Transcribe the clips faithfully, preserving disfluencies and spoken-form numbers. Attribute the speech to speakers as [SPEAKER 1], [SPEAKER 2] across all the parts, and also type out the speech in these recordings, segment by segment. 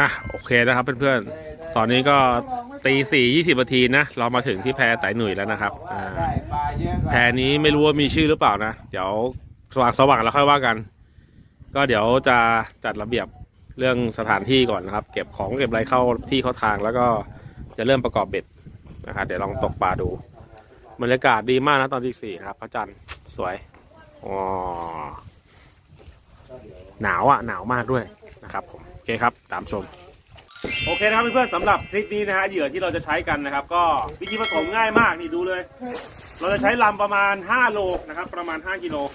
[SPEAKER 1] อ่ะโอเคนะครับเพื่อนๆตอนนี้ก็ตีสี่ยี่สิบนาทีนะเรามาถึงที่แพไต่หนุ่ยแล้วนะครับอ่าแพนี้ไม่รู้ว่ามีชื่อหรือเปล่านะเดี๋ยวสว่างสว่างแล้วค่อยว่ากันก็เดี๋ยวจะจัดระเบียบเรื่องสถานที่ก่อนนะครับเก็บของเก็บอะไรเข้าที่เข้าทางแล้วก็จะเริ่มประกอบเบ็ดนะครับเดี๋ยวลองตกปลาดูบรรยากาศดีมากนะตอนที่สี่ครับพระจันทร์สวยอ๋อหนาวอ่ะหนาวมากด้วยนะครับผมโอเคครับตามชมโอเคนะครับเพื่อนๆสำหรับทริปนี้นะฮะเหยื่อที่เราจะใช้กันนะครับก็วิธีผสมง่ายมากนี่ดูเลยเราจะใช้ลำประมาณห้าโลนะครับประมาณห้ากิโล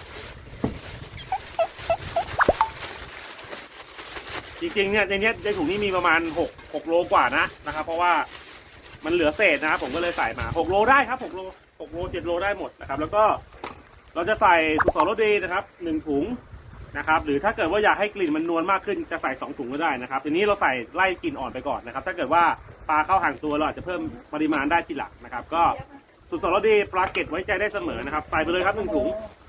[SPEAKER 1] จริงๆเนี่ยในนี้ในถุงนี้มีประมาณหก หกโลกว่านะนะครับเพราะว่ามันเหลือเศษนะครับผมก็เลยใส่มาหกโลได้ครับหกโลหกโลเจ็ดโลได้หมดนะครับแล้วก็เราจะใส่สุกสรสดีนะครับหนึ่งถุงนะครับหรือถ้าเกิดว่าอยากให้กลิ่นมันนวลมากขึ้นจะใส่สองถุงก็ได้นะครับทีนี้เราใส่ไล่กลิ่นอ่อนไปก่อนนะครับถ้าเกิดว่าปลาเข้าห่างตัวเราอาจจะเพิ่มปริมาณได้ทีหลังนะครับก็สุกสรสดีปลาเก็ตไว้ใจได้เสมอนะครับใส่ไปเลยครับหนึ่งถุง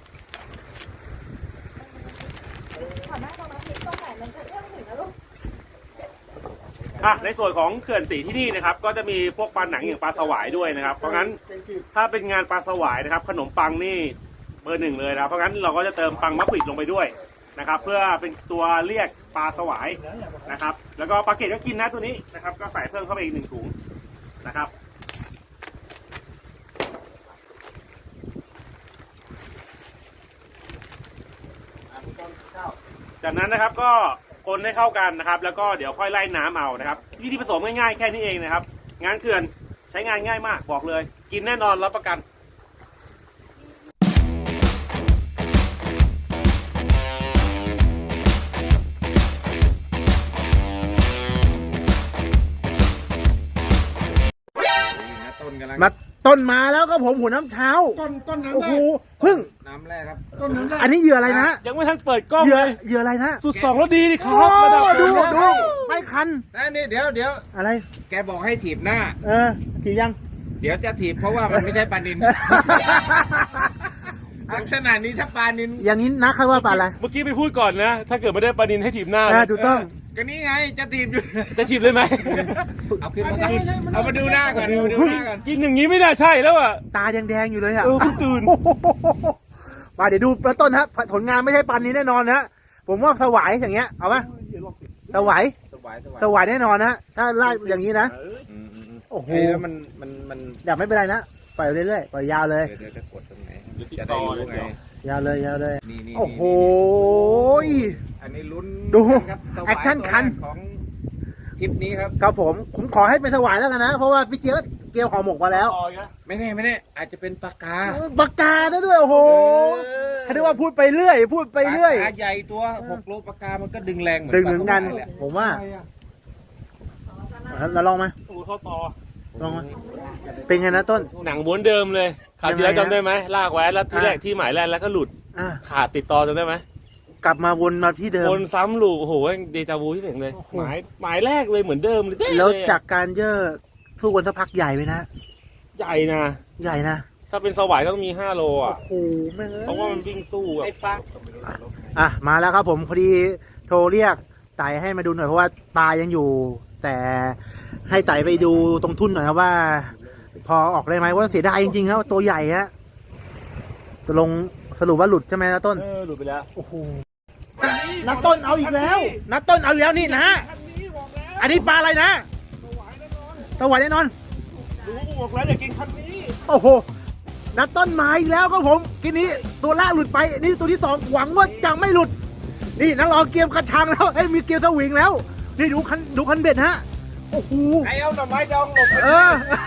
[SPEAKER 1] อ่ะในส่วนของเขื่อนสีที่นี่นะครับก็จะมีพวกปลาหนังอย่างปลาสวายด้วยนะครับเพราะงั้นถ้าเป็นงานปลาสวายนะครับขนมปังนี่เบอร์หนึ่งเลยนะเพราะงั้นเราก็จะเติมปังมะปิดลงไปด้วยนะครับเพื่อเป็นตัวเรียกปลาสวายนะครับแล้วก็ปลาเกตก็กินนะตัวนี้นะครับก็ใส่เพิ่มเข้าไปอีกหนึ่งถุงนะครับจากนั้นนะครับก็คนให้เข้ากันนะครับแล้วก็เดี๋ยวค่อยไล่น้ำเอานะครับวิธีผสมง่ายๆแค่นี้เองนะครับงานเขื่อนใช้งานง่ายมากบอกเลยกินแน่นอนรับประกัน
[SPEAKER 2] มาต้นมาแล้วก็ผมหัวน้ำเช้า
[SPEAKER 3] ต้นต้นน้ำ
[SPEAKER 2] โอ้
[SPEAKER 3] แร
[SPEAKER 2] โห
[SPEAKER 3] ก
[SPEAKER 2] พึ่ง
[SPEAKER 3] น้ำแรกครับต้นน้ำแรก
[SPEAKER 2] อันนี้เหยื่ออะไรนะ
[SPEAKER 1] ยังไม่ทันเปิดกล้อง
[SPEAKER 2] เหยื่อ
[SPEAKER 1] เลย
[SPEAKER 2] เหยื่ออะไรนะ
[SPEAKER 1] สุดสองแล้วดีดิค
[SPEAKER 2] โอ้
[SPEAKER 1] รับระดับ
[SPEAKER 2] ดู
[SPEAKER 1] นี้
[SPEAKER 2] ดูไม่คัน
[SPEAKER 3] นั่นนี่เดี๋ยวเดี๋ยว
[SPEAKER 2] อะไร
[SPEAKER 3] แกบอกให้ถีบหน้า
[SPEAKER 2] เออถีบยัง
[SPEAKER 3] เดี๋ยวจะถีบเพราะว่ามันไม่ใช่ปลานินลักษณะนี้ถ้าปลานิน
[SPEAKER 2] อย่างนี้นักเขาว่าปลาอะไร
[SPEAKER 1] เมื่อกี้ไปพูดก่อนนะถ้าเกิดไม่ได้ปลานินให้ถีบหน้า
[SPEAKER 2] อ่าถูกต้อง
[SPEAKER 3] ก็นี่ไงจะถีบอยู่
[SPEAKER 1] จะถีบเลยไหม
[SPEAKER 3] เอาขึ้นมาเอามาดูหน้าก่อนเอามาดูหน้าก่อน
[SPEAKER 1] กินอย่างนี้ไม่น่าใช่แล้วอ่ะ
[SPEAKER 2] ตาแดงๆอยู่เลยอ่ะ
[SPEAKER 1] เออเพิ่งตื่น
[SPEAKER 2] โอ้โหมาเดี๋ยวดูปลาต้นฮะผลงานไม่ใช่ปลานี้แน่นอนนะผมว่าสวายอย่างเงี้ยเอาไหมสวาย
[SPEAKER 3] สบายสบาย
[SPEAKER 2] สวายแน่นอนนะถ้าลากอย่างนี้นะ
[SPEAKER 3] อืมอืมอืม
[SPEAKER 2] โอ้โห
[SPEAKER 3] เฮ้ยแล้วมันมันมัน
[SPEAKER 2] อย่าไม่เป็นไรนะปล่อยเรื่อยๆปล่อยยาวเลย
[SPEAKER 3] เดี๋ยวเดี๋ยวจะกดตรงไหนจะได้รู้ไง
[SPEAKER 2] ยาวเลยยาวเลย
[SPEAKER 3] นี่นี่
[SPEAKER 2] โอ้โห
[SPEAKER 3] อันนี้ลุ้น
[SPEAKER 2] ดู
[SPEAKER 3] ครับสวาย
[SPEAKER 2] แอคชั่นคัน
[SPEAKER 3] ตัวแรกของทริปนี้ครับ
[SPEAKER 2] ครับผมผมขอให้เป็นสวายแล้วกันนะ เพราะว่าพี่เจี๊ยบเกี่ยวห่อหมกมาแล้ว
[SPEAKER 3] ไม่แน่ไม่แน่อาจจะเป็นปลากา
[SPEAKER 2] ปากกาได้ด้วยโอ้โหเขาเรียกว่าพูดไปเรื่อย พูดไปเรื่อย
[SPEAKER 3] ปลากาใหญ่ตัวหกโลปลากามันก็ดึงแรงเหมือน
[SPEAKER 2] ดึงเหมือนกัน
[SPEAKER 3] ปลาสวายแหละ
[SPEAKER 2] ผมว่าเราลองมา
[SPEAKER 1] ตูเข้าต่อ
[SPEAKER 2] ลองมาเป็นไงนะต้น
[SPEAKER 1] หนังม้วนเดิมเลยคราวที่แล้ว
[SPEAKER 2] ยังไงฮะ
[SPEAKER 1] จำได้ไหมลากไว้แล้วที่แรก
[SPEAKER 2] อ่ะ
[SPEAKER 1] ที่หมายแรกแล้วก็หลุด
[SPEAKER 2] อ่ะ
[SPEAKER 1] ขาดติดต่อจำได้ไหม
[SPEAKER 2] กลับมาวนมาที่เดิม
[SPEAKER 1] วนซ้ำลูกโอ้โหเดจาวูที่หนึ่งเลย
[SPEAKER 2] โอ้โห
[SPEAKER 1] หมายหมายแรกเลยเหมือนเดิมเลยเด้
[SPEAKER 2] แล้ว
[SPEAKER 1] เลยอะ
[SPEAKER 2] จากการเยอะสู้กันสักพักใหญ่ไปนะ
[SPEAKER 1] ใหญ่นะ
[SPEAKER 2] ใหญ่นะ
[SPEAKER 1] ถ้าเป็นสวายต้องมีห้าโล
[SPEAKER 2] โอ้
[SPEAKER 1] อ่ะ
[SPEAKER 2] โหแม่งเอ้ย
[SPEAKER 1] เพราะว่ามันวิ่งสู้อะ
[SPEAKER 3] ไอ้ปลา
[SPEAKER 2] อ่ะมาแล้วครับผมพอดีโทรเรียกไต่ให้มาดูหน่อยเพราะว่าปลายังอยู่ แต่ให้ไต่ไปดูตรงทุ่นหน่อยครับว่า พอออกได้ไหมว่าเสียดายจริงๆครับตัวใหญ่ฮะตกลงสรุปว่าหลุดใช่ไหมนะต้น
[SPEAKER 1] เออหลุดไปแล้ว
[SPEAKER 2] โอ้โหนักต้นเอาอีกแล้วนักต้นเอาอีกแล้วนี่นะ
[SPEAKER 1] คันนี้บอกแล้ว
[SPEAKER 2] อันนี้ปลาอะไรนะ
[SPEAKER 1] สวายแน่นอน
[SPEAKER 2] สวายแน่นอน
[SPEAKER 1] รู้บอกแล้วอย่ากินคันนี้
[SPEAKER 2] โอ้โหนักต้นมาอีกแล้วครับผมกินนี้ตัวแรกหลุดไปนี่ตัวที่สองหวังว่าจะไม่หลุด นี่นักลองเกียมกระชังแล้วเอ้ยมีเกียมสวิงแล้ว นี่ดูคันดูคันเบ็ดฮะโอ้โห
[SPEAKER 3] ไอ้เอาหน่อไม้ดองหลบไป
[SPEAKER 2] เออ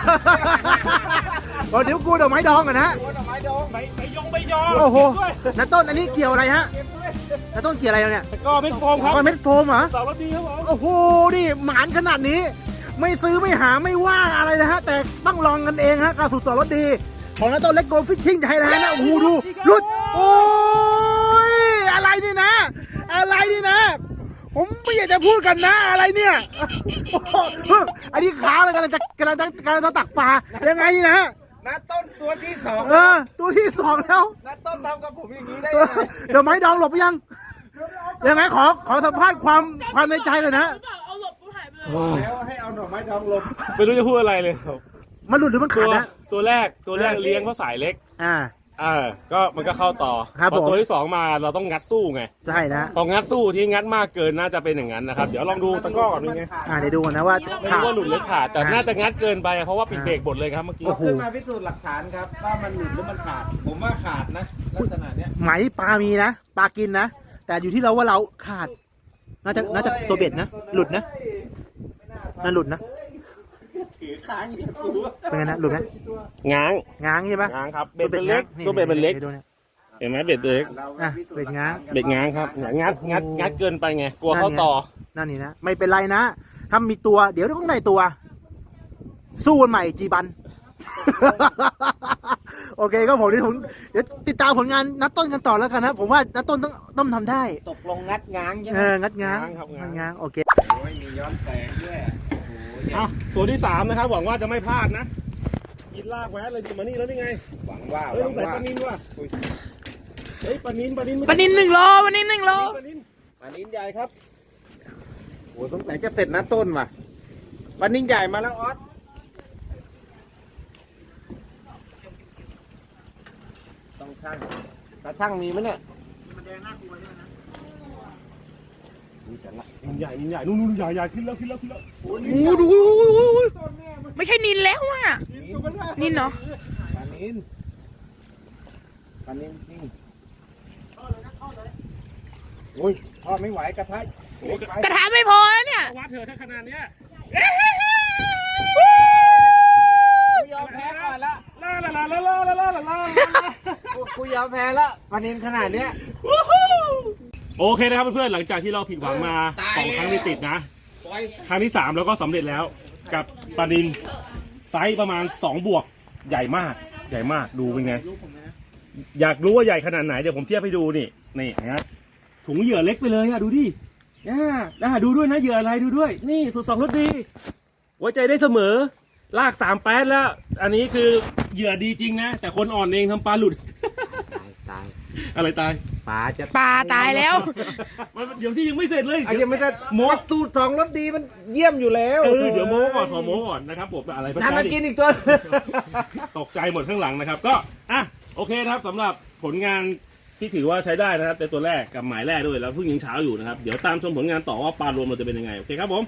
[SPEAKER 2] บอกเดี๋ยวกูดอกไม้ดองกันนะ
[SPEAKER 3] หน่อไม้ดอง
[SPEAKER 1] ไปไปยองไปยอง
[SPEAKER 2] โอ้โห
[SPEAKER 1] ด้วย
[SPEAKER 2] นักต้นอันนี้เกี่ยวอะไรฮะนักต้นเกี่ยวอะไรเนี่ย
[SPEAKER 1] แต่ก็ไม่โฟมครับ
[SPEAKER 2] ก้อนเม็ดโฟมเหรอ
[SPEAKER 1] สาวรถดีครับผม
[SPEAKER 2] โอ้โห นี่หมานขนาดนี้ ไม่ซื้อไม่หาไม่ว่าอะไรนะฮะ แต่ต้องลองกันเองฮะการสูตรสอนรถดี ของนักต้นเล็กโกลฟิชชิ่งไทยแลนด์นะ โอ้โห ดูรุด โอ้ย อะไรนี่นะ อะไรนี่นะ ผมไม่อยากจะพูดกันนะ อะไรเนี่ยโอ้โหอันนี้ขาเลยกำลังจะกำลังจะกำลังจะตักปลา ยังไงนี่นะ
[SPEAKER 3] น้าต้นตัวที่สอง
[SPEAKER 2] เออ ตัวที่สองแล้ว
[SPEAKER 3] น้าต้นทำกับผมอย่างนี้ได้
[SPEAKER 2] เอ
[SPEAKER 3] ยั
[SPEAKER 2] อง
[SPEAKER 3] ไง
[SPEAKER 2] เดี๋ยวไม้ดองหลบไปยัง ยังไงขอขอสัมภาษณ์ความความในใจเลยนะ
[SPEAKER 4] เอาหลบกูหายไป
[SPEAKER 3] แล้วให้เอาหน่อไม้ดองลง
[SPEAKER 1] ไม่รู้จะพูดอะไรเลย
[SPEAKER 2] มันหลุดหรือมัน
[SPEAKER 1] ตั
[SPEAKER 2] ขาว ดนะ
[SPEAKER 1] ตัวแรกตัวแรกเลี้ยงเพราะสายเล็ก
[SPEAKER 2] อ่า
[SPEAKER 1] อ่าก็มันก็เข้าต่อ
[SPEAKER 2] ครับ
[SPEAKER 1] พอ
[SPEAKER 2] ผม
[SPEAKER 1] ตัวที่สองมาเราต้องงัดสู้ไง
[SPEAKER 2] ใช่นะ
[SPEAKER 1] พองัดสู้ที่งัดมากเกินน่าจะเป็นอย่างนั้นนะครับเดี๋ยวลองดูตะกร้อก่อนเป็นไง
[SPEAKER 2] อ่าเดี๋ยวดูก่อนนะว่า
[SPEAKER 1] ไม่
[SPEAKER 2] ขาด
[SPEAKER 1] รู้ว่าหลุดหรือขาดแต่
[SPEAKER 2] อ่า
[SPEAKER 1] น่าจะงัดเกินไปเพราะว่าปิดเบรกหมดเลยครับเมื่อกี้
[SPEAKER 2] โอ้โห
[SPEAKER 3] ขึ้นมาพิสูจน์หลักฐานครับว่ามันหลุดหรือมันขาด ผมว่าขาดนะลักษณะเนี้ย
[SPEAKER 2] ไหมปลามีนะปลากินนะ แต่อยู่ที่เราว่าเราขาด น่าจะน่าจะตัวเบ็ดนะ หลุดนะน่าหลุดนะ
[SPEAKER 3] ถือค้างอย่างกู
[SPEAKER 2] เป็นไงนะหลุดไหม
[SPEAKER 1] ง้าง
[SPEAKER 2] ง้างใช่ปะ
[SPEAKER 1] ง้างครับเบ็ดเป็นเล็กตัวเบ็ดเป็นเล็ก
[SPEAKER 2] ดี๋ยวดูนี่ย
[SPEAKER 1] เห็นไหมเบ็ดเล็ก
[SPEAKER 2] อ่ะเบ็ดง้าง
[SPEAKER 1] เบ็ดง้างครับเนี่ยงัดงัดงัดเกินไปไงกลัวเข้าต่อ
[SPEAKER 2] นั่นนี่นะ ไม่เป็นไรนะ ถ้ามีตัวเดี๋ยวต้องได้ตัว สู้กันใหม่จีบัน โอเคก็ผมเดี๋ยวผมเดี๋ยวติดตามผลงานนัดต้นกันต่อแล้วกันนะผมว่านัดต้นต้องต้องทำได้
[SPEAKER 3] ตกลงงัดง้างใช่ไหม
[SPEAKER 2] เอองัดง้าง
[SPEAKER 1] ง้างครับง้าง
[SPEAKER 2] งัดง้างโอเค
[SPEAKER 3] โอ้ยมีย้อนแสงด้วยโอ้ย
[SPEAKER 1] เอาตัวที่สามนะครับหวังว่าจะไม่พลาดนะกินลากแวะเลยดิมานี่แล้วนี่ไง
[SPEAKER 3] หวังว่า
[SPEAKER 1] เฮ้ย
[SPEAKER 3] ห
[SPEAKER 1] ต้
[SPEAKER 3] วั
[SPEAKER 1] อง งใส่
[SPEAKER 3] ว่า
[SPEAKER 1] ปลานินว่ะเฮ้ยปลานินปลานิน
[SPEAKER 4] ปลานินหนึ่งโลปลานินหนึ่งโล
[SPEAKER 1] ปลานิน
[SPEAKER 3] ปลานิ้นใหญ่ครับโอ้ยสงสัยจะเสร็จนะต้นว่ะปลานิ้นใหญ่มาแล้วออสต้องช่างตาช่างมีไหมเนี่ย
[SPEAKER 1] นินใหญ่นินใหญ่นู่นนู่นใหญ่ใหญ่ขึ้นแล้วขึ้นแล้วขึ้นแล้ว
[SPEAKER 4] โอ้โหดูไม่ใช่นินแล้วอ่ะ นินเนาะ
[SPEAKER 3] ปลานิ้นปลานิ้นนี่โอ้ยทอดไม่ไหวกระทะโอ้ย
[SPEAKER 4] กระทะไม่พอแล้วเนี่ย
[SPEAKER 1] วัดเถอะถ้าขนาดเนี้ย
[SPEAKER 3] กูยอมแพ้ก่อนละ
[SPEAKER 1] ลาลาลาลาลาลาลาลาลา
[SPEAKER 3] กูกูยอมแพ้ละปลานิ้นขนาดเนี้ย
[SPEAKER 1] โอเคนะครับเพื่อนๆหลังจากที่เราผิดหวังมาสองครั้งติดๆนะ
[SPEAKER 3] ปล่อย
[SPEAKER 1] ครั้งที่สามเราก็สำเร็จแล้วกับปลานินไซส์ประมาณสองบวกใหญ่มากใหญ่มากดูเป็นไง อยากรู้ว่าใหญ่ขนาดไหนเดี๋ยวผมเทียบให้ดูนี่นี่นะถุงเหยื่อเล็กไปเลยอะดูดิอ่าอ่าดูด้วยนะเหยื่ออะไรดูด้วย นี่สุดสองรสดีไว้ใจได้เสมอลากสามแป๊ดแล้ว อันนี้คือเหยื่อดีจริงนะ แต่คนอ่อนเองทำปลาหลุด
[SPEAKER 3] ตาย
[SPEAKER 1] อะไรตาย
[SPEAKER 3] ปลาจะ
[SPEAKER 4] ปลาตายแล้ว
[SPEAKER 1] มันเดี๋ยวที่ยังไม่เสร็จเลย
[SPEAKER 3] ไอ้ยังไม่ได้โมสูตรสองรสดีมันเยี่ยมอยู่แล้ว
[SPEAKER 1] เออเดี๋ยวโม้ก่อนขอโม้ก่อนนะครับผมอะไร
[SPEAKER 3] นั่นมา
[SPEAKER 1] ดิ
[SPEAKER 3] กินอีกตัว
[SPEAKER 1] ตกใจหมดข้างหลังนะครับ ก็อ่ะโอเคนะครับสำหรับผลงานที่ถือว่าใช้ได้นะครับในตัวแรกกับหมายแรกด้วยแล้วเพิ่งยังเช้าอยู่นะครับเดี๋ยวตามชมผลงานต่อว่าปลารวมเราจะเป็นยังไงโอเคครับผม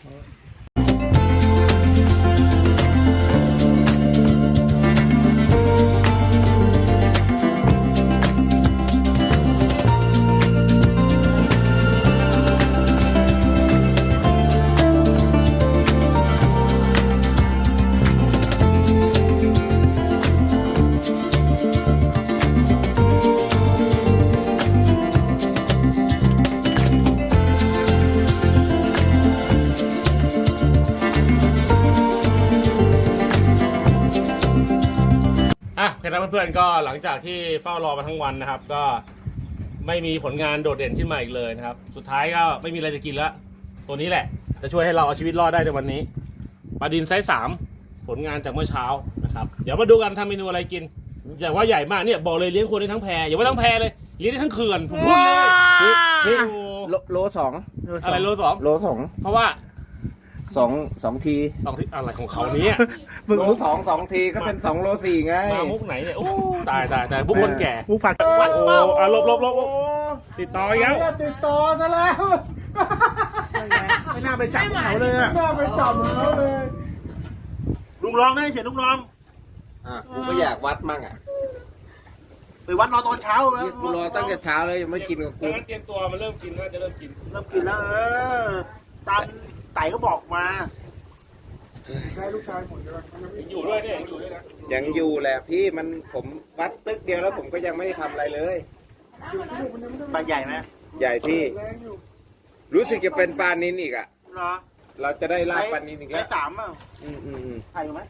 [SPEAKER 1] อ่ะโอเคนะเพื่อนๆก็หลังจากที่เฝ้ารอมาทั้งวันนะครับ ก็ไม่มีผลงานโดดเด่นขึ้นมาอีกเลยนะครับ สุดท้ายก็ไม่มีอะไรจะกินแล้วตัวนี้แหละ จะช่วยให้เราเอาชีวิตรอดได้ในวันนี้ปลาดินไซส์สามผลงานจากเมื่อเช้านะครับเดี๋ยวมาดูกันทำเมนูอะไรกินแต่ว่าใหญ่มากเนี่ยบอกเลยเลี้ยงคนได้ทั้งแพอย่าว่าทั้งแพเลยเลี้ยงได้ทั้งเขื่อนผมพูดเลยนี่นี่
[SPEAKER 3] โลโลสอง
[SPEAKER 1] อะไรโลสอง
[SPEAKER 3] โลสอง
[SPEAKER 1] เพราะว่า
[SPEAKER 3] สองสองที
[SPEAKER 1] สองที่อะไรของเขาเนี่ย
[SPEAKER 3] โลสองสองทีก็เป็นสองโลสี่ไง
[SPEAKER 1] มามุกไหนเนี่ยโอ้ตายตายตายบุกคนแก่
[SPEAKER 2] มุกผัก
[SPEAKER 1] โอ้อ่ะลบลบลบลบติดต่ออีกแล้ว
[SPEAKER 3] ติดต่อซะแล้ว
[SPEAKER 2] ไม่น่าไปจับเขาเลยอะ
[SPEAKER 3] น่าไปจับเขาเลย
[SPEAKER 2] ลุงรองได้เฉยลุงรอง
[SPEAKER 3] อ่ะกูก็อยากวัดมั่งอ่ะ
[SPEAKER 2] ไปวัดรอตอนเช้าแล้ว
[SPEAKER 3] กูรอตั้งแต่เช้าเลยยังไม่กินกับกู
[SPEAKER 1] งั้นเตรียมตัวมันเริ่มกินน่าจะเริ่มกิน
[SPEAKER 2] เริ่มกินแล้วเออตามไต่ก็บอกมาใช่ลูกชายหมดเลย
[SPEAKER 1] ยังอยู่ด้วยเนี่ยยังอยู่ด้วยนะ
[SPEAKER 3] ยังอยู่แหละพี่มันผมวัดตึกเดียวแล้วผมก็ยังไม่ได้ทำอะไรเลย
[SPEAKER 2] ปลาใหญ่ไหม
[SPEAKER 3] ใหญ่พี่ รู้สึกจะเป็นปลานินอีกอ่ะ
[SPEAKER 2] เหรอ
[SPEAKER 3] เราจะได้ลาบปลานินอีก
[SPEAKER 2] ไซ
[SPEAKER 3] แล้ว
[SPEAKER 2] ส์สามอ่ะ
[SPEAKER 3] อืมอืมอืม
[SPEAKER 2] ถ่ายอยู่ไหม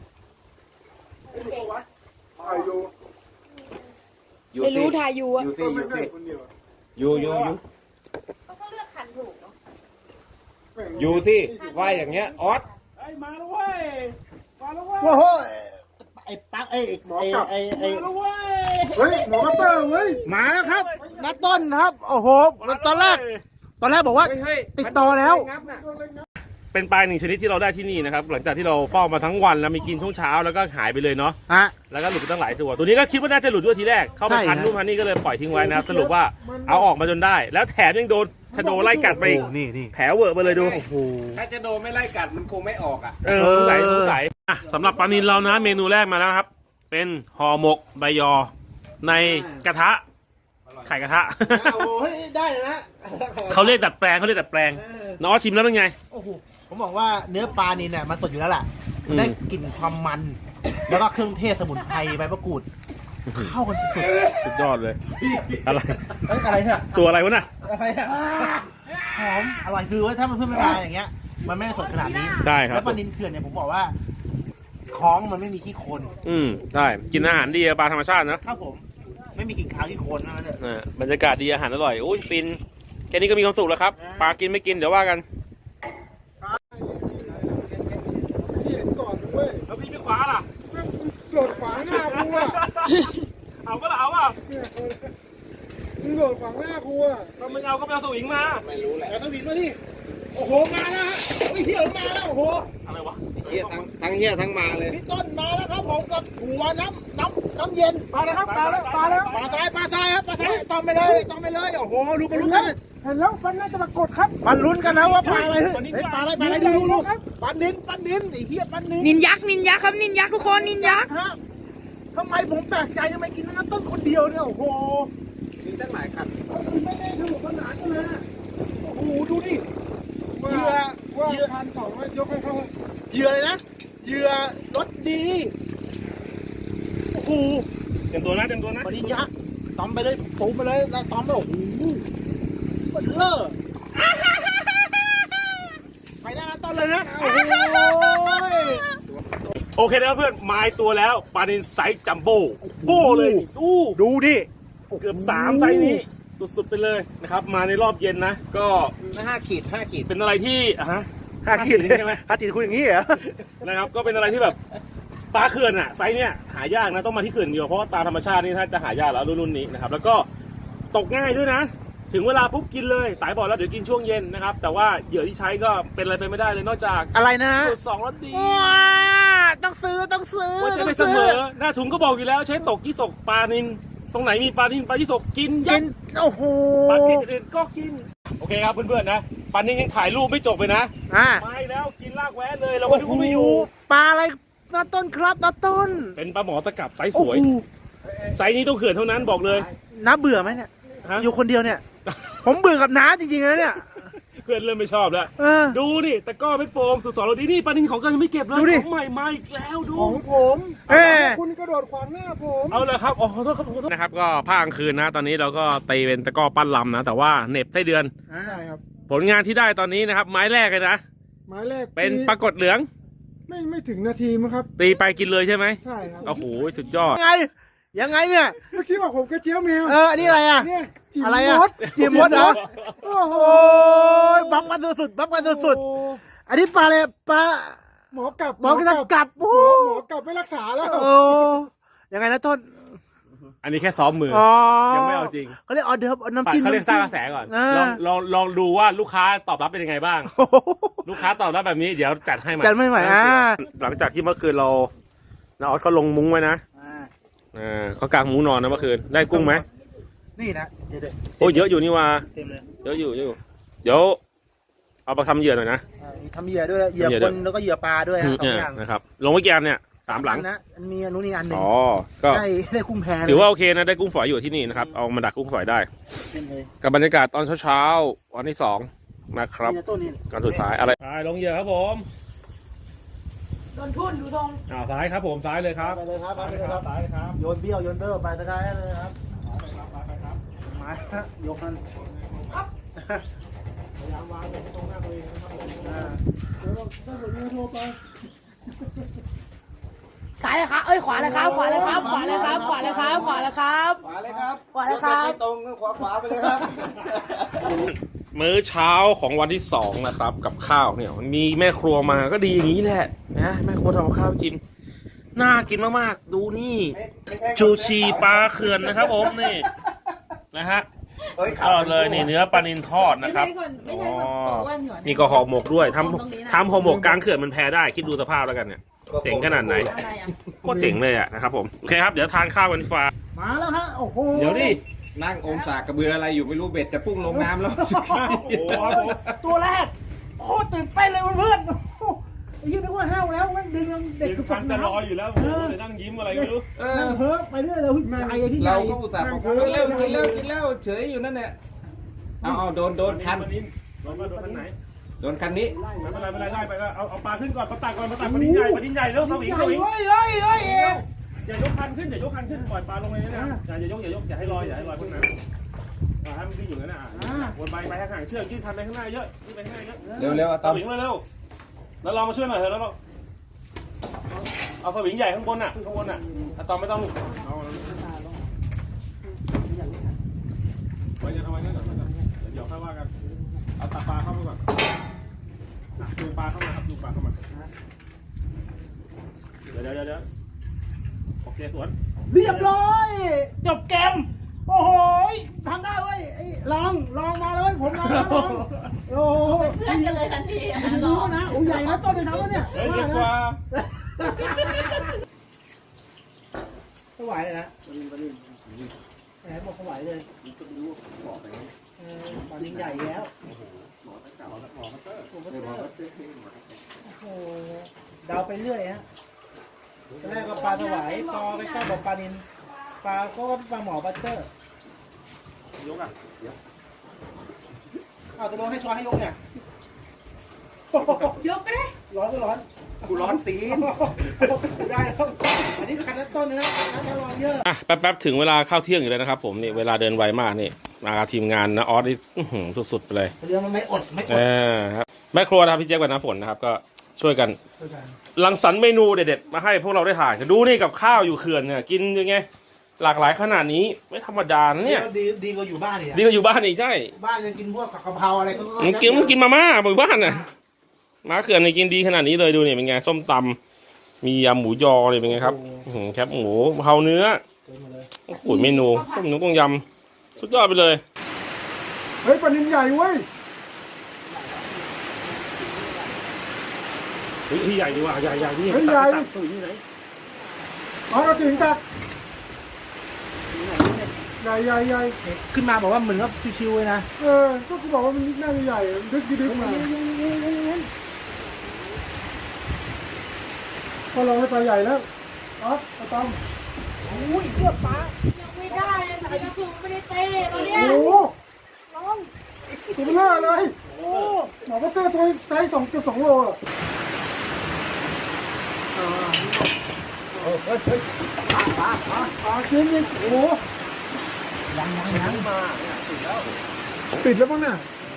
[SPEAKER 2] อยู่
[SPEAKER 3] อยู่
[SPEAKER 4] ไม่รู้
[SPEAKER 3] ที่
[SPEAKER 4] ทายูอะ
[SPEAKER 3] อยู่ที่อยู่ที่อยู่อยู่อยู่
[SPEAKER 4] เขาก็เลือกคันถูกเนาะ
[SPEAKER 3] อยู่ที่ว่าอย่างเงี้ยออส
[SPEAKER 1] ไอ้มาแล้วเว้ยมาแล้วเว้ย
[SPEAKER 2] โอ้โหไอ้ปักไอ้ไอ้ไอ้ไอ้
[SPEAKER 1] มาแล้วเว้ย
[SPEAKER 2] เฮ้ยหมอมาเตอร์เว้ยมาแล้วครับนัดต้นครับโอ้โหตอนแรก ตอนแรกบอกว่า
[SPEAKER 3] เฮ้ยเฮ้ย
[SPEAKER 2] ติดต่อแล้ว
[SPEAKER 3] งับน่ะ
[SPEAKER 1] เป็นปลาหนึ่งชนิดที่เราได้ที่นี่นะครับหลังจากที่เราเฝ้ามาทั้งวันแล้วมีกินช่วงเช้าแล้วก็หายไปเลยเนาะ
[SPEAKER 2] ฮะ
[SPEAKER 1] แล้วก็หลุดไปตั้งหลายตัวตัวนี้ก็คิดว่าน่าจะหลุดด้วยทีแรกเข้าไป
[SPEAKER 2] ใช่
[SPEAKER 1] พัน
[SPEAKER 2] ฮะ
[SPEAKER 1] นู่นพันนี่ก็เลยปล่อยทิ้งไว้นะครับสรุปว่าเอาออกมาจนได้ แล้วแถมยังโดนชะโดไล่กัดไปอีก
[SPEAKER 2] โอ้นี่นี่
[SPEAKER 1] แผลเวอะไปเลยดู
[SPEAKER 2] โอ้โห
[SPEAKER 3] ถ้าจะโดนไม่ไล่กัดมันคงไม่ออกอ่ะ
[SPEAKER 1] เออสงสัยสงสัยอ่ะสำหรับปลานิลเรานะเมนูแรกมาแล้วนะครับ เป็นห่อหมกใบยอ ในกระทะไข่กระทะ
[SPEAKER 2] โอ้โหได้เลยนะ
[SPEAKER 1] เขาเรียกดัดแปลงเขาเรียกดัดแปลงน้องชิมแล้วเป็นไง
[SPEAKER 2] โอ้โหผมบอกว่าเนื้อปลานี่เนี่ยมันสดอยู่แล้วแหละ
[SPEAKER 1] อืม
[SPEAKER 2] ได้กลิ่นความมัน แล้วก็เครื่องเทศสมุนไพรใบมะกรูดเข้ากันสุด
[SPEAKER 1] สุดยอดเลย อะไร
[SPEAKER 2] ๆเอ้ยอะไรเนี่ย
[SPEAKER 1] ตัวอะไรวะน่ะ
[SPEAKER 2] อะไรอะหอมอร่อยคือว่าถ้ามันเพิ่มไม่มาอย่างเงี้ย มันไม่ได้สดขนาดนี้
[SPEAKER 1] ได้ครับ
[SPEAKER 2] แล้วปลานิลเขื่อนเนี่ยผมบอกว่าท้องมันไม่มีขี้โคลน
[SPEAKER 1] อืมใช่กินอาหารดีอะปลาธรรมชาตินะ
[SPEAKER 2] ครับผม ไม่มีกลิ่นคาวขี้โคลนนั่นเลย
[SPEAKER 1] อ่าบรรยากาศดีอาหารอร่อยโอ้ยฟินแค่นี้ก็มีความสุขแล้วครับปลากินไม่กินเดี๋ยวว่ากัน
[SPEAKER 5] เห็นก่อนเว้ย
[SPEAKER 1] แล้วพี่ไม่คว้าล่ะ
[SPEAKER 5] โดดขวางหน้ากูอ่ะ
[SPEAKER 1] เอาก็เอาอ่ะ
[SPEAKER 5] มึงโดดขวางหน้ากูอ่ะ
[SPEAKER 1] ถ้าไม่เอาก็ไปเอาสวิงมา
[SPEAKER 2] แต่ต้องบินมาที่โอ้โห มาแล้วฮะโอ้ยเหี้ยมาแล้ว โอ้โห
[SPEAKER 1] อะไรวะ
[SPEAKER 3] เฮียทั้งทั้งเฮียทั้งมาเลย
[SPEAKER 2] พี่ต้นมาแล้วครับผมกับหัวน้ำน้ำน้ำเย็นมาแล้วครับมาแล้วมาแล้วปลาซ้ายปลาซ้ายครับปลาซ้ายต้องไปเลยต้องไปเลยโอ้โหดูกันลุ้นกัน
[SPEAKER 5] เห็นแล้วมันน่าจะมากดครับ
[SPEAKER 2] มันลุ้นกันนะว่าปลาอะไรเฮ้ยเฮ้ยปลาอะไรปลาอะไรดูดูดูปลานินปลานินไอ้เหี้ยปลานิน
[SPEAKER 4] นินยักษ์นินยักษ์ครับนินยักษ์ทุกคนนินยักษ์
[SPEAKER 2] ฮะทำไมผมแปลกใจทำไมกินน้ำต้นคนเดียวเนี่ยโอ้โห
[SPEAKER 3] มีตั้งหลายคัน
[SPEAKER 2] ไม่ได้สนุกสนานกันเลยนะโอ้โหดูดิ
[SPEAKER 5] ว่า
[SPEAKER 2] เหยื่อ
[SPEAKER 5] ว่า
[SPEAKER 2] เหยื่อ
[SPEAKER 5] คันสองว่ายกให้เขา
[SPEAKER 2] เหยื่อเลยนะเหยื่อรสดีโอ้โห
[SPEAKER 1] เต็มตัวนะเต็มตัวนะ
[SPEAKER 2] ปริญญาตอมไปเลยสูงไปเลยแล้วตอมไปโอ้โหมันเลอะไปได้นะต้นเลยนะโอ้โห
[SPEAKER 1] โอเคนะครับเพื่อนไม้ตัวแล้วปลานินไซส์จัมโบ้โบ้เลยดู
[SPEAKER 2] ดูดิ
[SPEAKER 1] เกือบสามไซส์นี้สุดๆไปเลยนะครับมาในรอบเย็นนะ ก็
[SPEAKER 3] ห้าขีดห้าขีด
[SPEAKER 1] เป็นอะไรที่อ่ะฮะ
[SPEAKER 2] ห้าขีด
[SPEAKER 1] ใช่ไหม
[SPEAKER 2] ห้าขีดคุณอย่างนี้เหรอ
[SPEAKER 1] นะครับก็เป็นอะไรที่แบบปลาเขื่อนอะไซส์เนี้ยหายากนะต้องมาที่เขื่อนเดียวเพราะว่าปลาธรรมชาตินี่ถ้าจะหายากแล้วรุ่นนี้นะครับแล้วก็ตกง่ายด้วยนะ ถึงเวลาปุ๊บกินเลยตายบอกแล้วเดี๋ยวกินช่วงเย็นนะครับแต่ว่าเหยื่อที่ใช้ก็เป็นอะไรไปไม่ได้เลยนอกจาก
[SPEAKER 2] อะไรนะ
[SPEAKER 1] สูตรสองรสดี
[SPEAKER 2] ว้าต้องซื้อต้องซื้อ
[SPEAKER 1] ว่าใช้
[SPEAKER 2] ต้
[SPEAKER 1] ไป
[SPEAKER 2] อง
[SPEAKER 1] เส
[SPEAKER 2] ซื้
[SPEAKER 1] มอหน้าถุงก็บอกอยู่แล้วใช้ตกยี่สกปลานินตรงไหนมีปลานินปลายี่สกกินยั
[SPEAKER 2] กิ
[SPEAKER 1] บ
[SPEAKER 2] นโอ้โห
[SPEAKER 1] ปลาเกล็ดอื่นก็กินโอเคครับเพื่อนๆนะปลานินยังถ่ายรูปไม่จบเลยนะ
[SPEAKER 2] อ่า
[SPEAKER 1] ไม่แล้วกินลากแวะเลยเราก็ดูไม่อยู่
[SPEAKER 2] ปลาอะไรนาต้นครับนาต้น
[SPEAKER 1] เป็นปลาหมอตะกับไซส์สวยไซส์นี้ต้องเขื่อนเท่านั้นบอกเลย
[SPEAKER 2] น้าเบื่อไหมเนี่ย
[SPEAKER 1] ฮะ
[SPEAKER 2] อยู่คนเดียวเนี่ย ผมเบื่อกับน้าจริงๆนะเนี่ย
[SPEAKER 1] เพื่อนเริ่มไม่ชอบแล้ว
[SPEAKER 2] เออ
[SPEAKER 1] ดูดิแต่ก็ไม่โฟมสุดสอนเราดีนี่ปลานินของก็ยังไม่เก็บเลย
[SPEAKER 2] ดูดิ
[SPEAKER 1] ของใหม่มาอีกแล้วดู
[SPEAKER 5] ของผม
[SPEAKER 2] เอ้ย
[SPEAKER 5] คุณกระโดดขวางหน้าผม
[SPEAKER 1] เอาเลยครับอ๋อขอโทษครับขอโทษนะครับก็ภาคกลางคืนนะ ตอนนี้เราก็ตีเป็นตะกร้อปั้นลำนะ แต่ว่าเหน็บไส้เดือน
[SPEAKER 5] ใช่ครับ
[SPEAKER 1] ผลงานที่ได้ตอนนี้นะครับ ไม้แรกเลยนะ
[SPEAKER 5] หมายแรก
[SPEAKER 1] เป็น
[SPEAKER 5] ตี
[SPEAKER 1] ปรากฏเหลือง
[SPEAKER 5] ไม่ไม่ถึงนาทีมั้งครับ
[SPEAKER 1] ตีไปกินเลยใช่ไหม
[SPEAKER 5] ใช่ครับ
[SPEAKER 1] โอ้โหสุดยอด
[SPEAKER 2] ยังไง ยังไงเนี่ย
[SPEAKER 5] เมื่อกี้บอกผมกระเจี๊ยวแมว
[SPEAKER 2] เออ อันนี้อะไรอ่ะ
[SPEAKER 5] เนี่ยจิ๋ม
[SPEAKER 2] อะไรอ่ะ
[SPEAKER 5] มด
[SPEAKER 2] จิ๋มมดเหรอ
[SPEAKER 5] โอ้โห
[SPEAKER 2] โอ้ยบัฟกันสุดๆบัฟกันสุด
[SPEAKER 5] โอ้
[SPEAKER 2] ๆอันนี้ปลาอะไรปลา
[SPEAKER 5] หมอกลับ
[SPEAKER 2] หมอกระกลับ
[SPEAKER 5] หม
[SPEAKER 2] โอ้
[SPEAKER 5] อ
[SPEAKER 2] โห
[SPEAKER 5] หมอกลับไม่รักษาแล้ว
[SPEAKER 2] โอ้ยังไงนะต้น
[SPEAKER 1] อันนี้แค่ซ้อมมือ
[SPEAKER 2] อ๋อ
[SPEAKER 1] ยังไม่เอาจริง
[SPEAKER 2] เขาเรียกออเดิร์ฟเอาน้ำ
[SPEAKER 1] ปัด
[SPEAKER 2] จิ้ม
[SPEAKER 1] เขาเรียกสร้างกระ
[SPEAKER 2] น้ำ
[SPEAKER 1] แส
[SPEAKER 2] จิ้ม
[SPEAKER 1] ก่อน
[SPEAKER 2] อ่า
[SPEAKER 1] ลองลองลองดูว่าลูกค้าตอบรับเป็นยังไงบ้าง
[SPEAKER 2] โอ้โห
[SPEAKER 1] ลูกค้าตอบรับแบบนี้เดี๋ยวจัดให้ใหม่
[SPEAKER 2] จัดไม่ไหวอ่า
[SPEAKER 1] หลังจากที่เมื่อคืนเราน้าออสเขาลงมุ้งไว้นะอ่าเขากางมุ้งนอนนะเมื่อคืนได้กุ้งไหม
[SPEAKER 2] นี่นะเดี๋ยว
[SPEAKER 1] โอ้ยเยอะอยู่นี่ว่า
[SPEAKER 2] ๆเต็มเลย
[SPEAKER 1] เยอะอยู่เยอะอยู่เดี๋ยวเอาไปทำเหยื่อหน่อยนะ
[SPEAKER 2] อ่ามีทำเหยื่อด้วยเหยื่อ
[SPEAKER 1] ทำเหยื่อ
[SPEAKER 2] ค
[SPEAKER 1] ด้วย
[SPEAKER 2] นแล้วก็เหยื่อปลาด้วยฮะสอ
[SPEAKER 1] เนี่
[SPEAKER 2] ง
[SPEAKER 1] ย
[SPEAKER 2] อย่าง
[SPEAKER 1] นะครับลงไว้กี่อันเนี่ยสามหลัง
[SPEAKER 2] นะอันมีอันนู้นนี่อันหนึ่ง
[SPEAKER 1] อ๋อก็
[SPEAKER 2] ได้ได้กุ้งแพเลย
[SPEAKER 1] ถือว่าโอเคนะได้กุ้งฝอยอยู่ที่นี่นะครับเอามาดักกุ้งฝอยได้
[SPEAKER 2] เต็มเลย
[SPEAKER 1] กับบรรยากาศตอนเช้าๆวันที่สองนะครับ
[SPEAKER 2] นี่นะต้นนี่
[SPEAKER 1] วันสุดท้ายอะไรไปลงเหยื่อครับผม
[SPEAKER 4] โดนทุ่นดูตรง
[SPEAKER 1] อ่าซ้ายครับผมซ้ายเลยครับ
[SPEAKER 2] ไปเลยครับไปเลยครับ
[SPEAKER 1] ซ้ายครับ
[SPEAKER 2] โยนเบี้ยวโยนเตอร์ไปสกายเลยครับ
[SPEAKER 1] ไปครับ
[SPEAKER 2] ไม้ฮะยกมัน
[SPEAKER 1] พยายามวางตรงหน้าตัวเองนะครับผม
[SPEAKER 2] อ่า
[SPEAKER 5] เดี๋ยวเราต้องกดเงินโทรไป
[SPEAKER 4] ซ้ายเลยครับเอ้ยขวาเลยครับขวาเลยครับขวาเลยครับขวาเลยครับขวาเลยครับ
[SPEAKER 3] ขวาเลยครับ
[SPEAKER 4] ขวาเลยครับ
[SPEAKER 3] ไม่ตรงขวาขวาไปเลยครับ
[SPEAKER 1] มื้อเช้าของวันที่สองนะครับ กับข้าวเนี่ยมันมีแม่ครัวมาก็ดีอย่างนี้แหละนะแม่ครัวทำกับข้าวกินน่ากินมากๆดูนี่ จูชีปลาเขื่อนนะครับผมนี่นะฮะ
[SPEAKER 3] เอ้ย
[SPEAKER 1] ทอดเลยนี่เนื้อปลานิลทอด
[SPEAKER 6] ไม่
[SPEAKER 1] นะครับ
[SPEAKER 6] ใช่คนไม่ใช่คนตัวอ้วนก่อน
[SPEAKER 1] นี่ก็ห่อหมกด้วยท
[SPEAKER 6] ตรงนี้นะ
[SPEAKER 1] ำทำห่อหมกกลางเขื่อนมันแพ้ได้คิดดูสภาพแล้วกันเนี่ยเจ๋งขนาดไหน
[SPEAKER 6] อะไรอ่ะ
[SPEAKER 1] ก็เจ๋งเลยอะนะครับผมโอเคครับเดี๋ยวทานข้าวกันดีกว่า
[SPEAKER 2] มาแล้วฮะโอ้โห
[SPEAKER 1] เดี๋ยวดิ
[SPEAKER 3] นั่งอมสากกระเบืออะไรอยู่ไม่รู้เบ็ดจะพุ่งลงน้ำแล้ว
[SPEAKER 1] โอ้โหครับผม
[SPEAKER 2] ตัวแรกโอ้ตื่นเต้นเลยเพื่อนๆโอ้โหไอ้ยี่นึกว่าห้าวแล้วแม่งดึงเด็ก
[SPEAKER 1] เด็ก
[SPEAKER 2] คือ
[SPEAKER 1] ฟั
[SPEAKER 2] ฝั
[SPEAKER 1] น
[SPEAKER 2] น
[SPEAKER 1] จะ
[SPEAKER 2] น้
[SPEAKER 1] รออยู่แล้วโอ้โหเลยนั่งยิ้มอะไรไม่รู้
[SPEAKER 3] เอ
[SPEAKER 2] ำ
[SPEAKER 3] อ
[SPEAKER 2] นั่งเพ้อไปเรื่อยเลยใจไอ้ที่ให
[SPEAKER 3] เรา
[SPEAKER 2] ญ่
[SPEAKER 3] ก็อุตส่าห์บอกว่ากินแล้วกินแล้วกินแล้วเฉยอยู่นั่นแหละเอาเอาโดนโดนคัน
[SPEAKER 1] ปลานิลโดนมาโดนคันไหน
[SPEAKER 3] โดนคันนี้
[SPEAKER 1] ไม่เป็นไรไม่เป็นไรได้ไปก็เอาเอาปลาขึ้นก่อนปลาตักก่อนปลาตักปลานิลใหญ่ปลานิลใหญ่เร็วสวิงสวิง
[SPEAKER 2] เฮ้ยเฮ้ยเฮ้ยเฮ้ย
[SPEAKER 1] อย่ายกคันขึ้นอย่ายกคันขึ้นปล่อยปลาลงไปนี่นะอย่าอย่ายกอย่ายกอย่าให้ลอยอย่าให้ลอยพ้นน้ำให้มันวิ่งอยู่นั่นน่ะวนไปไปห่างๆเชือกยื่นคันไปข้างหน้าเยอะยื่นไปข้างหน้าเยอะ
[SPEAKER 3] เร็วเร็วๆอะ
[SPEAKER 1] ส
[SPEAKER 3] ตอม
[SPEAKER 1] วิงเร็วๆแล้วเรามาช่วยหน่อยเถอะแล้วเราเอาสวิงใหญ่ข้างบนน่ะข้างบนน่ะอะตอมไม่ต้องลูกเอาไว้จะเอาไว้นั่นก่อนเดี๋ยวค่อยว่ากันเอาตักปลาเข้าไปก่อนดูปลาเข้ามาครับดูปลาเข้ามาเดี๋ยวเดี๋ยวเดี๋ยวโอเคสวน
[SPEAKER 2] เรียบร้อย จบเกมโอ้โหทำได้เว้ยไอ้ลองลองมาเลยผมลองแล้วลองโอ้โห
[SPEAKER 6] เป็นเพื่อนกันเลยทันทีอ่ะ
[SPEAKER 2] ดูนะโอ้ใหญ่นะต้นเลยทำแล้วเนี่ย
[SPEAKER 1] เฮ้ยเรียกว่า
[SPEAKER 2] ถวายเลยนะแหมบอกถวายเลยเออตอนนี้ใหญ่แล้วโอ้โหเดาไปเรื่อยฮะตอนแรกก็ปลาถวายพอไปใกล้บอกปลานินปลาก็ปลาหมอบัตเตอร์
[SPEAKER 1] ยกอ่ะ
[SPEAKER 2] อ้าวจะโดนให้ช้อนให้ยกเนี่ย
[SPEAKER 6] ยกก็ได้
[SPEAKER 2] ร้อนก็ร้อน
[SPEAKER 3] กูร้อนตีน
[SPEAKER 2] ได้แล้วอันนี้คันละต้นนะคันละรองเยอะ
[SPEAKER 1] อ่ะแป๊บๆถึงเวลาเข้าเที่ยงอยู่แล้วนะครับผมนี่เวลาเดินไวมากนี่มาทีมงานนะออสนี่อื้อหือสุดๆไปเลย
[SPEAKER 2] เรือมันไม่อดไม่อ
[SPEAKER 1] เอ
[SPEAKER 2] ด
[SPEAKER 1] อครับแม่ครัวนะครับพี่เจ๊ยบกับน้ำฝนนะครับก็ช่วยกันรังสรรค์เมนูเด็ดๆมาให้พวกเราได้ถ่ายกันดูนี่กับข้าวอยู่เขื่อนเนี่ยกินยังไงหลากหลายขนาดนี้ไม่ธรรมดานะเนี่ย
[SPEAKER 2] ดีดีกว่าอยู่บ้านอีก
[SPEAKER 1] ดีกว่าอยู่บ้านอีกใช่
[SPEAKER 2] บ้านยังกินพวกกะเพราอะไรก็
[SPEAKER 1] มันกินมันกินมาม่าอยู่บ้านน่ะมาเขื่อนนี่กินดีขนาดนี้เลยดูนี่เป็นไงส้มตำมียำหมูยอนี่เป็นไงครับอื้อหือแคบหมูกะเพราเนื้อโอ้โหเมนูต้มนุ่ต้มยำสุดยอดไปเลย
[SPEAKER 5] เฮ้ยปลานินใหญ่เว้ย
[SPEAKER 1] เฮ้ยใหญ่ดีว่ะใหญ่ใหญ่นี่
[SPEAKER 5] เฮ้ยใหญ่
[SPEAKER 1] ตักตัวอยู่ไหน
[SPEAKER 5] เอากระสิงกัดใหญ่ใหญ่ใหญ่
[SPEAKER 2] ขึ้นมาบอกว่าเหมือนกับชิวๆเลยนะ
[SPEAKER 5] เออก็กูบอกว่ามันน่าจะใหญ่ดึกดึกมาพอเราให้ปลาใหญ่แล้วอ๊อฟปลาตอม
[SPEAKER 2] อุ้ยเลือดปลา
[SPEAKER 6] ยังไม่ได้ยังไม่ได้คือไม่ได้เต้ตอนเนี้ย
[SPEAKER 5] โอ้โหตัวเบลอเลยโอ้หมอก็เจอตัวไซส์สองเกือบสองโลอ่ะ
[SPEAKER 2] ปลาปลาปลา
[SPEAKER 5] ปลากินอีกโอ้โห
[SPEAKER 2] ยังยังยังมา
[SPEAKER 5] ติดแล้วมั้งเนี่ย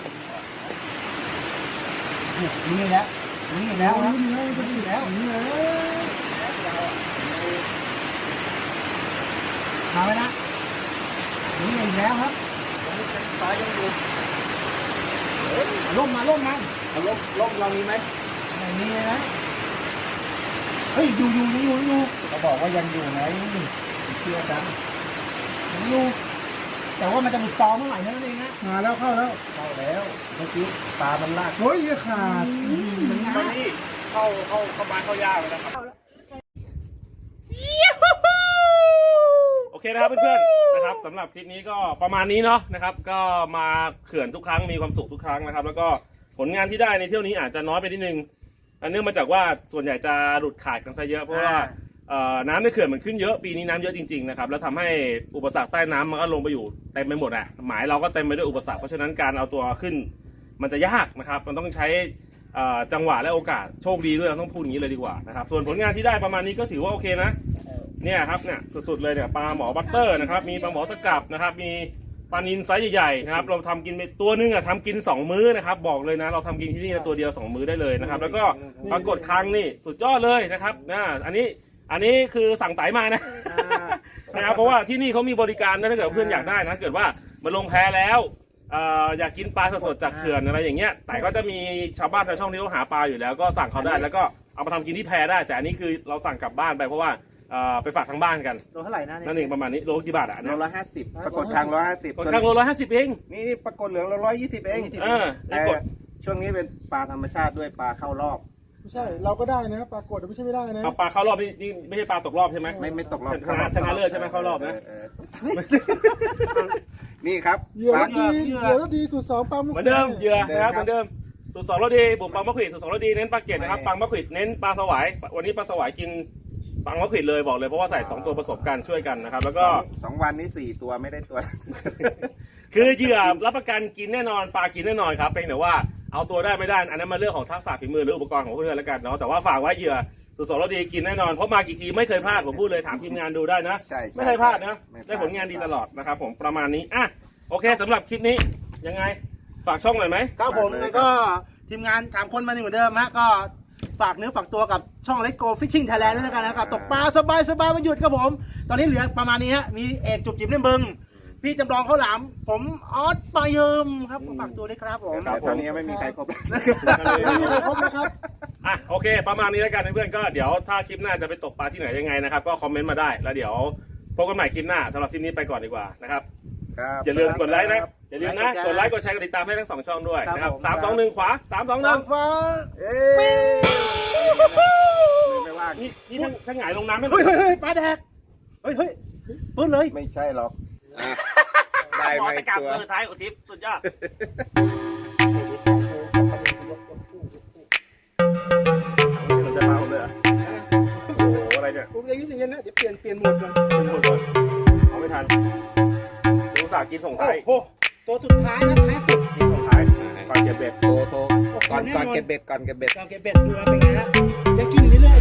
[SPEAKER 2] นี่แล้วนี่แล้วนะนี่แล้วนี่แล้วมาไหมนะนี่อีกแล้วครับปลายังอยู่ล่มมาล่มมา
[SPEAKER 3] เอาลบลบเรามีไหม
[SPEAKER 2] ไม่มีเลยนะเฮ้ยอยู่อยู่อยู่อยู่เขาบอกว่ายังอยู่ไงเชื่อกันยังอยู่แต่ว่ามันจะหลุดตอเมื่อไหร่นั่นเองนะ
[SPEAKER 5] มาแล้วเข้าแล้ว
[SPEAKER 2] เข้าแล้วเมื่อกี้ปลามันลาก
[SPEAKER 5] โอ้ยขาด
[SPEAKER 2] มัน
[SPEAKER 1] ตอน
[SPEAKER 2] ง่าย
[SPEAKER 1] นี้เข้าเข้าเข้าบ้านเข้ายากเลยนะครับโอเคนะครับเพื่อนๆนะครับสำหรับคลิปนี้ก็ประมาณนี้เนาะนะครับ ก็มาเขื่อนทุกครั้งมีความสุขทุกครั้งนะครับ แล้วก็ผลงานที่ได้ในเที่ยวนี้อาจจะน้อยไปนิดนึงอันเนื่องมาจากว่าส่วนใหญ่จะหลุดขาดกันซะเยอะเพราะว่าเอ่อน้ำในเขื่อนมันขึ้นเยอะปีนี้น้ำเยอะจริงๆนะครับแล้วทำให้อุปสรรคใต้น้ำมันก็ลงไปอยู่เต็มไปหมดอ่ะหมายเราก็เต็มไปด้วยอุปสรรคเพราะฉะนั้นการเอาตัวขึ้นมันจะยากนะครับมันต้องใช้เอ่อจังหวะและโอกาสโชคดีด้วยเราต้องพูดอย่างนี้เลยดีกว่านะครับส่วนผลงานที่ได้ประมาณนี้ก็ถือว่าโอเคนะเนี่ยครับเนี่ยสุดๆเลยเนี่ยปลาหมอบัตเตอร์นะครับมีปลาหมอตะกรับนะครับมีปลานิลไซส์ใหญ่ๆนะครับเราทำกินไปตัวนึงอ่ะทำกินสองมื้อนะครับบอกเลยนะเราทำกินที่นี่ตัวเดียวสองมื้อได้เลยนะครับแล้วก็ปรากฏครั้งนี่สุดยอดเลยนะครับนะอันนี้อันนี้คือสั่งไต่มานะนะครับเพราะว่าที่นี่เขามีบริการนะถ้าเกิดเพื่อนอยากได้นะเกิดว่ามาลงแพแล้วเอ่ออยากกินปลาสดๆจากเขื่อนอะไรอย่างเงี้ยแต่ก็จะมีชาวบ้านชาวช่องที่เขาหาปลาอยู่แล้วก็สั่งเขาได้แล้วก็เอามาทำกินที่แพได้แต่อันนี้คือเราสั่งกลับบ้านไปเพราะว่าเอ่อไปฝากทางบ้านกัน
[SPEAKER 2] โลเท่าไหร่นะเนี่ย
[SPEAKER 1] นั่นเองประมาณนี้โลกี่บาทอ่ะ
[SPEAKER 3] โล
[SPEAKER 1] นะ
[SPEAKER 3] ละห้าสิบปรากฏทางร้อยห้าสิบ
[SPEAKER 1] ค่อนข้างโลละห้าสิบเอง
[SPEAKER 3] นี่นี่ปรากฏเหลืองเราร้อยยี่สิบเอง
[SPEAKER 1] เออ
[SPEAKER 3] แต่
[SPEAKER 1] นี่กด
[SPEAKER 3] ช่วงนี้เป็นปลาธรรมชาติด้วยปลาเข้ารอบ
[SPEAKER 5] ไม่ใช่เราก็ได้นะปรากฏไม่ใช่ไม่ได้นะ
[SPEAKER 1] เอาปลาเข้ารอบนี่นี่ไม่ใช่ปลาตกรอบใช่ไหม
[SPEAKER 3] ไม่ไม่ตกรอบ
[SPEAKER 1] ชนะชนะเลิศใช่ไหมเข้ารอบนะ
[SPEAKER 3] เออเออนี่ครับ
[SPEAKER 5] เหยื่อ
[SPEAKER 3] ปลา
[SPEAKER 5] รถดีเหยื่อรถดีสูตรสองปั๊ม
[SPEAKER 1] เหมือนเดิมเหยื่อนะครับ
[SPEAKER 3] เห
[SPEAKER 1] เห
[SPEAKER 3] มื
[SPEAKER 1] มื
[SPEAKER 3] อ
[SPEAKER 1] อน น
[SPEAKER 3] เดิ
[SPEAKER 1] เดิ
[SPEAKER 3] ม
[SPEAKER 1] มสูตรสองรสดีบุกปังมะขวิดสูตรสองรสดีเน้นปลาเกล็ดนะครับ
[SPEAKER 3] ไม่
[SPEAKER 1] ปังมะขวิดเน้นปลาสวายวันนี้ปลาสวายกินปังมะขวิดเลยบอกเลยเพราะว่าใส่สองตัวผสมกันช่วยกันนะครับแล้วก็
[SPEAKER 3] สองสองวันนี้สี่ตัวไม่ได้ตัว
[SPEAKER 1] คือเหยื่อรับประกันกินแน่นอนปลากินแน่นอนครับเป็นแต่ว่าเอาตัวได้ไม่ได้อันนั้นมาเรื่องของทักษะฝีมือหรืออุปกรณ์ของเพื่อนแล้วกันเนาะแต่ว่าฝากไว้เหยื่อสูตรสองรสดีกินแน่นอนเพราะมากี่ทีไม่เคยพลาดผมพูดเลยถามทีมงานดูได้นะ
[SPEAKER 3] ใช่ใช่
[SPEAKER 1] ไม่เคยพลาดนะ
[SPEAKER 3] ไม่พลาด
[SPEAKER 1] ได้ผลงานดีตลอดนะครับผมประมาณนี้อ่ะโอเคสำหรับคลิปนี้ยังไงฝากช่องหน่อยไหม
[SPEAKER 2] ครับผมแล้วก็ทีมงานสามคนมานี่เหมือนเดิมฮะก็ฝากเนื้อฝากตัวกับช่องเล็กโกฟิชชิ่งไทยแลนด์ด้วยกันนะครับตกปลาสบายสบายวันหยุดครับผม ตอนนี้เหลือประมาณนี้ฮะมีเอกจุบจิบเล่มบึงพี่จำลองข้าวหลามผมออสปลาเยิมครับฝากตัวด้วยครับผม
[SPEAKER 3] แต่ตอนนี้ยังไม่มีใครครบ
[SPEAKER 5] ไม่มีใครครบนะครับ
[SPEAKER 1] อ่ะโอเค ประมาณนี้แล้วกันเพื่อนๆก็เดี๋ยวถ้าคลิปหน้าจะไปตกปลาที่ไหนยังไงนะครับก็คอมเมนต์มาได้แล้วเดี๋ยวพบกันใหม่คลิปหน้าสำหรับคลิปนี้ไปก่อนดีกว่านะครับ
[SPEAKER 3] ครับ
[SPEAKER 1] อย่าลืมกดไลค์นะอย่าลืมนะกดไลค์กดแชร์กดติดตามให้ทั้งสองช่องด้วยนะครับสามสองหนึ่งขวาสามสองหนึ่ง
[SPEAKER 2] ฟ้า
[SPEAKER 3] เอ้ยไม่ว่าง
[SPEAKER 1] นี่นี่ทั้งทั้งหงายลงน้ำไม่หม
[SPEAKER 2] เฮ้
[SPEAKER 1] ด
[SPEAKER 2] ยเฮ้ยเฮ้ยปลาแดกเฮ้ยเฮ้ยปื้นเลย
[SPEAKER 3] ไม่ใช่หรอกอ่ะได้
[SPEAKER 1] หม
[SPEAKER 3] ไห
[SPEAKER 1] อ
[SPEAKER 3] ม
[SPEAKER 1] ตะกร้า
[SPEAKER 3] ตัว
[SPEAKER 1] ตัวสุดท้ายอุทิศสุดยอดสนใจปลาผมเลยเหรอโอ้โหอะไรเนี่ย
[SPEAKER 5] ผมอย่างนี้อย่างนี้นะเดี๋ยวเปลี่ยนเปลี่ยนโหมดก่อน
[SPEAKER 1] เป็นหมดเลยเอาไม่ทันดูสากินส่ง
[SPEAKER 2] โอ้
[SPEAKER 1] ท้าย
[SPEAKER 2] โหตัวสุดท้ายนะท้ายสุด
[SPEAKER 1] กินส่งท้ายก่อนเก็บเบ็ด
[SPEAKER 3] โตโตก่อนก่อนเก็บเบ็ดก่อนเก็บเบ็ด
[SPEAKER 2] เราเก็บเบ็ดดูนะเป็นไงฮะยังกินอยู่เรื่อย